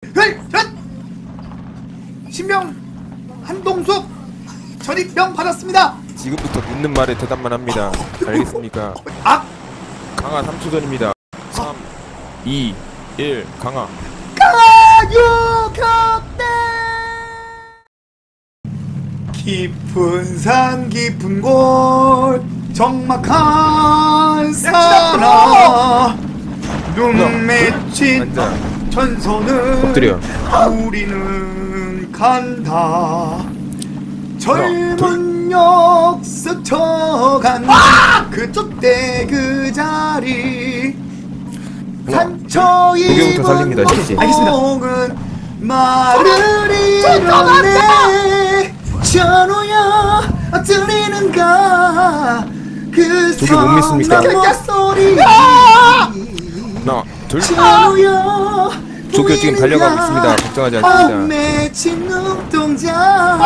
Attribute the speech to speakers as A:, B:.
A: 신병 한동숙 전입병 받았습니다.
B: 지금부터 묻는 말에 대답만 합니다. 알겠습니까?
A: 아!
B: 강화 3초 전입니다. 3, 2, 1 강화.
A: 가요격대 깊은 산 깊은 곳 적막한 산하 눈 맺힌
B: 앉아.
A: 전선을
B: 엎드려.
A: 우리는 간다. 젊은 역 스쳐간 그쪽 때 그 자리 상처
B: 도경부터 살립니다,
A: 입은
B: 실시.
A: 목은 말을 잃었네. 전우야 들리는가 그
B: 저게 못 믿습니까?
A: 성난 소리.
B: 하나, 둘.
A: 전우야
B: 도쿄 지금 달려가고 있습니다. 걱정하지 않습니다.
A: 맺힌 눈동자